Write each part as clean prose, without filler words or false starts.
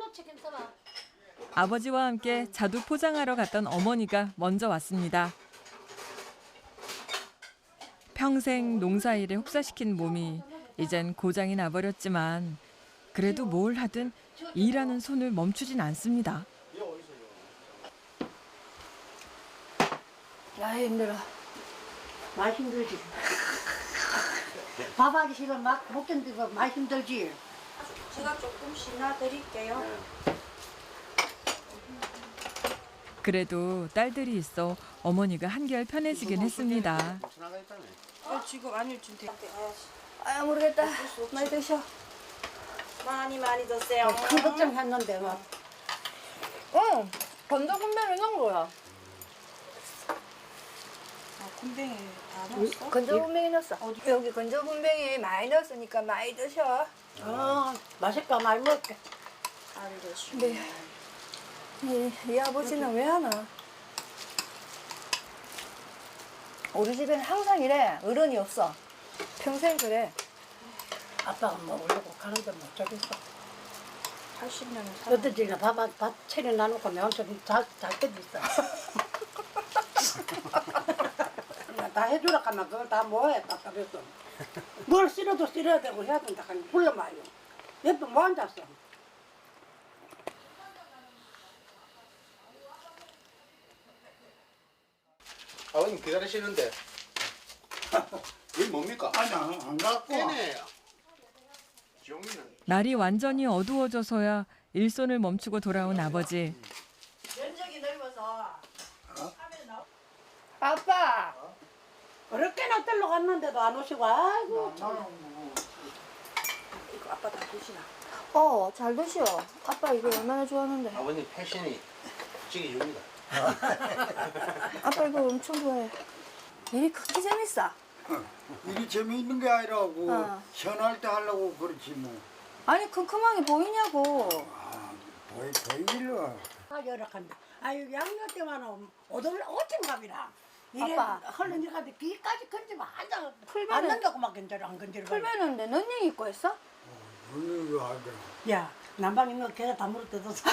책임 써봐. 아버지와 함께 자두 포장하러 갔던 어머니가 먼저 왔습니다. 평생 농사일에 혹사시킨 몸이 이젠 고장이 나버렸지만 그래도 뭘 하든 일하는 손을 멈추진 않습니다. 야 힘들어. 많이 힘들지. 밥하기 싫으면 막 못 견디고 많이 힘들지. 제가 조금씩 놔드릴게요. 그래도 딸들이 있어 어머니가 한결 편해지긴 했습니다. 지금 아니 지금 아 모르겠다. 많이 드셔. 많이 드세요. 큰 걱정했는데 막. 응, 건조군뱅이 넣은 거야. 군뱅이 다 넣었어? 건조군뱅이 넣었어. 여기 건조군뱅이 많이 넣었으니까 많이 드셔. 맛있다. 많이 먹게. 알겠습니다. 네. 이 아버지는 왜 하나? 우리 집에는 항상 이래. 어른이 없어. 평생 그래. 아빠가 먹으려고 가는데 못 잡겠어. 80년은 살아. 어떤 집에 밥 차려 놔놓고 내 혼자 잘 때도 있어. 다 해주라 하면 그걸 다 뭐해 답답했어. 뭘 쓸어도 쓸어야 되고 해야 된다 하니 불러봐요. 옆에 뭐 앉았어. 아버님 기다리시는데 이게 뭡니까? 아니 안 갖고 와. 깨네. 종이는 날이 완전히 어두워져서야 일손을 멈추고 돌아온 아버지. 면적이 넓어서 아빠! 어렵게나 떨러 갔는데도 안 오시고 아이고 이거 아빠 다 드시나? 잘 드셔. 아빠 이거 얼마나 좋아하는데. 아버님 패션이 찍어줍니다. 아빠 이거 엄청 좋아해. 일이 그렇게 재밌어. 일이 재미있는 게 아니라고 어. 시원할 때 하려고 그렇지 뭐. 아니 큼큼하게 보이냐고. 보이길래. 열악한다. 아유 양녀 때만 오돌 오침갑이라. 이래 아빠. 흘러니 가는데 귀까지 건지면 한장 안 풀면은 넘겨고 막 건져라 안 건지를. 풀면은 내 넌닝 입고 했어? 오늘 하더라. 야 난방에 너 걔가 다 물어 뜯었어.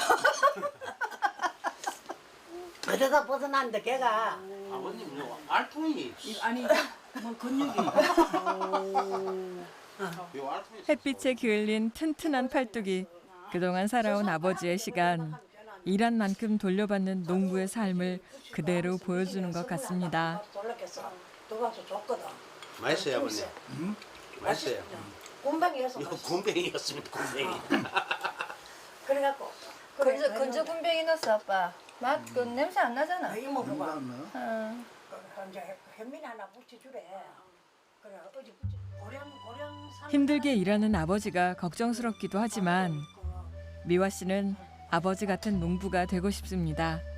어디다 벗어났는데 걔가 아버님 요 알통이 아니 뭐 근육이. 요 알통이 햇빛에 기울린 튼튼한 팔뚝이 그동안 살아온 아버지의 시간, 일한 만큼 돌려받는 농부의 삶을 그대로 보여주는 것 같습니다. 놀랐겠어. 누가서 줬거든. 맛있어요 아버님. 맛있어요. 곰방이어서 이거 맛있어. 곰뱅이였습니다 곰뱅이. 그래갖고 건조군뱅이 넣었어 아빠. 맛 그 냄새 안 나잖아. 이모 그거 응. 이제 현민 하나 붙여주래. 그래 어제 붙여 고령 힘들게 일하는 아버지가 걱정스럽기도 하지만 미화 씨는 아버지 같은 농부가 되고 싶습니다.